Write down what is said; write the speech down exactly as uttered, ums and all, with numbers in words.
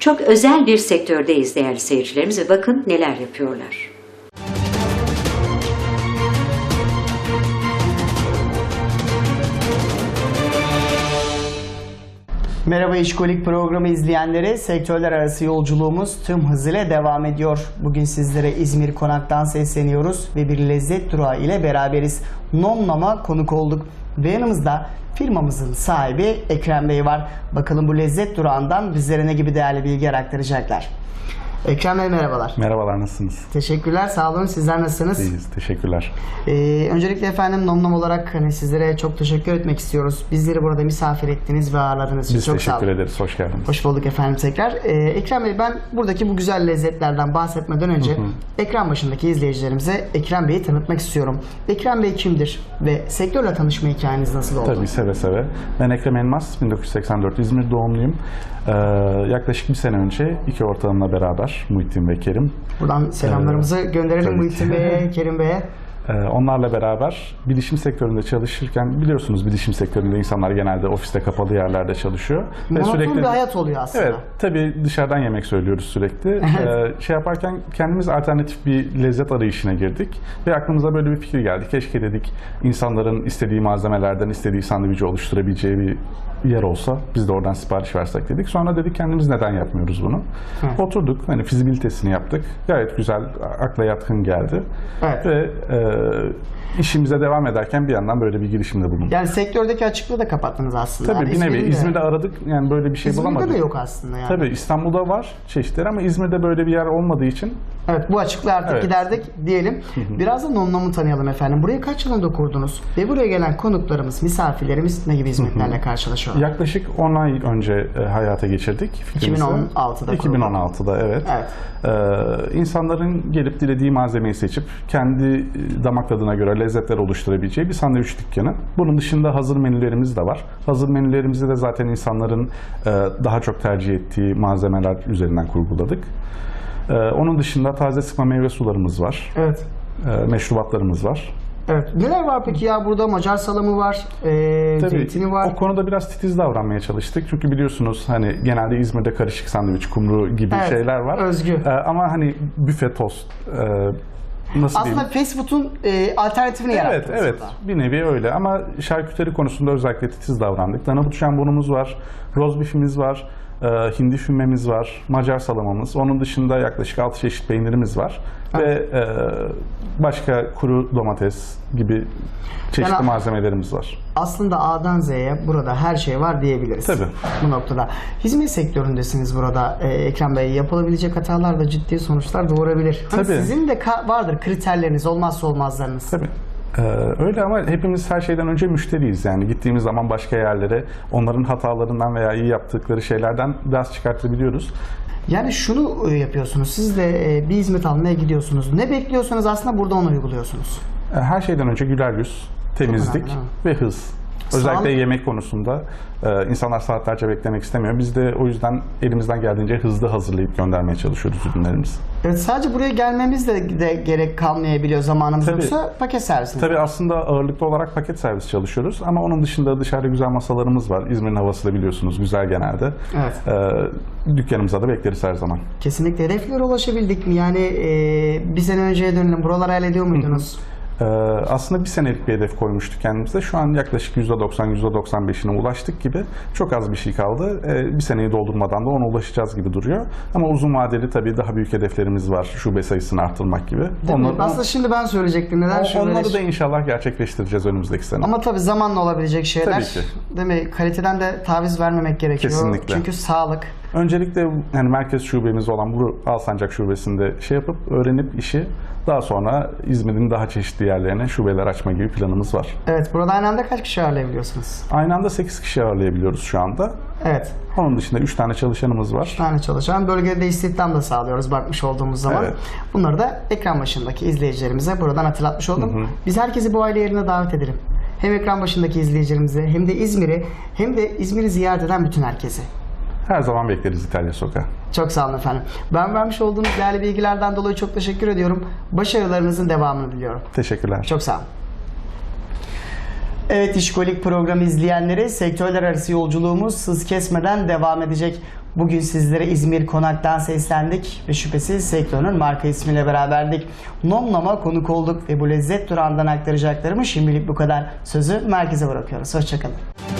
çok özel bir sektördeyiz değerli seyircilerimiz ve bakın neler yapıyorlar. Merhaba İşkolik programı izleyenleri, sektörler arası yolculuğumuz tüm hızıyla devam ediyor. Bugün sizlere İzmir Konak'tan sesleniyoruz ve bir lezzet durağı ile beraberiz. Nomnom'a konuk olduk ve yanımızda firmamızın sahibi Ekrem Bey var. Bakalım bu lezzet durağından bizlere ne gibi değerli bilgi aktaracaklar. Ekrem Bey merhabalar. Merhabalar, nasılsınız? Teşekkürler, sağ olun. Sizler nasılsınız? İyiyiz, teşekkürler. Ee, öncelikle efendim Nomnom olarak hani sizlere çok teşekkür etmek istiyoruz. Bizleri burada misafir ettiniz ve ağırladığınız için Biz çok sağ olun. teşekkür ederiz, hoş geldiniz. Hoş bulduk efendim tekrar. Ee, Ekrem Bey, ben buradaki bu güzel lezzetlerden bahsetmeden önce hı hı. ekran başındaki izleyicilerimize Ekrem Bey'i tanıtmak istiyorum. Ekrem Bey kimdir ve sektörle tanışma hikayeniz nasıl oldu? Tabii, seve seve. Ben Ekrem Elmas, bin dokuz yüz seksen dört İzmir doğumluyum. Ee, yaklaşık bir sene önce iki ortağımla beraber Muhittin ve Kerim. Buradan selamlarımızı ee, gönderelim Muhittin Bey'e, Kerim Bey'e. Onlarla beraber bilişim sektöründe çalışırken, biliyorsunuz bilişim sektöründe insanlar genelde ofiste kapalı yerlerde çalışıyor. Monoton sürekli bir hayat oluyor aslında. Evet, tabii dışarıdan yemek söylüyoruz sürekli. Evet. Ee, şey yaparken kendimiz alternatif bir lezzet arayışına girdik ve aklımıza böyle bir fikir geldi. Keşke dedik insanların istediği malzemelerden istediği sandviçi oluşturabileceği bir yer olsa biz de oradan sipariş versek dedik. Sonra dedik kendimiz neden yapmıyoruz bunu? Evet. Oturduk, hani fizibilitesini yaptık. Gayet güzel, akla yatkın geldi. Evet. Ve e, işimize devam ederken bir yandan böyle bir girişimde bulunduk. Yani sektördeki açıklığı da kapattınız aslında. Tabii yani bir nevi. İzmir'de aradık, yani böyle bir şey İzmir'de bulamadık. İzmir'de de yok aslında yani. Tabii İstanbul'da var çeşitleri ama İzmir'de böyle bir yer olmadığı için. Evet, bu açıklığı artık evet. giderdik diyelim. Hı hı. Biraz da Nomnom'u tanıyalım efendim. Burayı kaç yılında kurdunuz? Ve buraya gelen konuklarımız, misafirlerimiz ne gibi hizmetlerle hı hı. karşılaşıyorlar? Yaklaşık on ay önce e, hayata geçirdik. iki bin on altıda iki bin on altıda evet. evet. Ee, insanların gelip dilediği malzemeyi seçip kendi damak tadına göre lezzetler oluşturabileceği bir sandviç dükkanı. Bunun dışında hazır menülerimiz de var. Hazır menülerimizi de zaten insanların e, daha çok tercih ettiği malzemeler üzerinden kurguladık. Ee, onun dışında taze sıkma meyve sularımız var. Evet. Ee, meşrubatlarımız var. Evet. Neler var peki ya? Burada Macar salamı var, e, Tabii, zeytini var. O konuda biraz titiz davranmaya çalıştık. Çünkü biliyorsunuz hani genelde İzmir'de karışık sandviç, kumru gibi evet, şeyler var. Özgü. Ee, ama hani büfe tost, e, nasıl aslında diyeyim? fast food'un e, alternatifini evet, yarattınız. Evet, evet. Bir nevi öyle. Ama şarküteri konusunda özellikle titiz davrandık. Danabut jambonumuz var, roz bifimiz var. Hindi fümmemiz var, Macar salamamız. Onun dışında yaklaşık altı çeşit peynirimiz var. Evet. Ve e, başka kuru domates gibi çeşitli yani, malzemelerimiz var. Aslında A'dan Z'ye burada her şey var diyebiliriz. Tabii. Bu noktada. Hizmet sektöründesiniz burada e, Ekrem Bey. Yapılabilecek hatalar da ciddi sonuçlar doğurabilir. Hani Tabii. Sizin de vardır kriterleriniz, olmazsa olmazlarınız. Tabii. Ee, öyle ama hepimiz her şeyden önce müşteriyiz. Yani gittiğimiz zaman başka yerlere onların hatalarından veya iyi yaptıkları şeylerden ders çıkartabiliyoruz. Yani şunu yapıyorsunuz, siz de bir hizmet almaya gidiyorsunuz. Ne bekliyorsanız aslında burada onu uyguluyorsunuz. Her şeyden önce güler yüz, temizlik önemli, ve hız. Özellikle Sağlık. Yemek konusunda e, insanlar saatlerce beklemek istemiyor. Biz de o yüzden elimizden geldiğince hızlı hazırlayıp göndermeye çalışıyoruz ürünlerimizi. Evet, sadece buraya gelmemiz de, de gerek kalmayabiliyor zamanımız Tabii. yoksa paket servisiniz. Tabii aslında ağırlıklı olarak paket servis çalışıyoruz ama onun dışında dışarıda güzel masalarımız var. İzmir'in havası da biliyorsunuz güzel genelde. Evet. E, dükkanımıza da bekleriz her zaman. Kesinlikle. Hedeflere ulaşabildik mi? Yani e, bir sene önceye dönelim. Buraları hayal ediyor muydunuz? Ee, aslında bir senelik bir hedef koymuştuk kendimize. Şu an yaklaşık yüzde doksan yüzde doksan beşine ulaştık gibi. Çok az bir şey kaldı. Ee, bir seneyi doldurmadan da ona ulaşacağız gibi duruyor. Ama uzun vadeli tabii daha büyük hedeflerimiz var. Şube sayısını arttırmak gibi. Onları, aslında şimdi ben söyleyecektim. Neden o, onları da inşallah gerçekleştireceğiz önümüzdeki sene. Ama tabii zamanla olabilecek şeyler. Tabii ki. Değil mi? Kaliteden de taviz vermemek gerekiyor. Kesinlikle. Çünkü sağlık. Öncelikle yani merkez şubemiz olan bu Alsancak şubesinde şey yapıp öğrenip işi daha sonra İzmir'in daha çeşitli yerlerine şubeler açma gibi planımız var. Evet. Burada aynı anda kaç kişi ağırlayabiliyorsunuz? Aynı anda sekiz kişi ağırlayabiliyoruz şu anda. Evet. Onun dışında üç tane çalışanımız var. üç tane çalışan. Bölgede istihdam da sağlıyoruz bakmış olduğumuz zaman. Evet. Bunları da ekran başındaki izleyicilerimize buradan hatırlatmış oldum. Hı hı. Biz herkesi bu aile yerine davet edelim. Hem ekran başındaki izleyicilerimizi hem de İzmir'i hem de İzmir'i ziyaret eden bütün herkesi. Her zaman bekleriz İtalya Sokağı. Çok sağ olun efendim. Ben vermiş olduğunuz değerli bilgilerden dolayı çok teşekkür ediyorum. Başarılarınızın devamını diliyorum. Teşekkürler. Çok sağ olun. Evet, İşkolik programı izleyenleri, sektörler arası yolculuğumuz hız kesmeden devam edecek. Bugün sizlere İzmir Konak'tan seslendik ve şüphesiz sektörün marka ismiyle beraberdik. Nom Nom'a konuk olduk ve bu lezzet durağından aktaracaklarımı şimdilik bu kadar. Sözü merkeze bırakıyoruz. Hoşçakalın.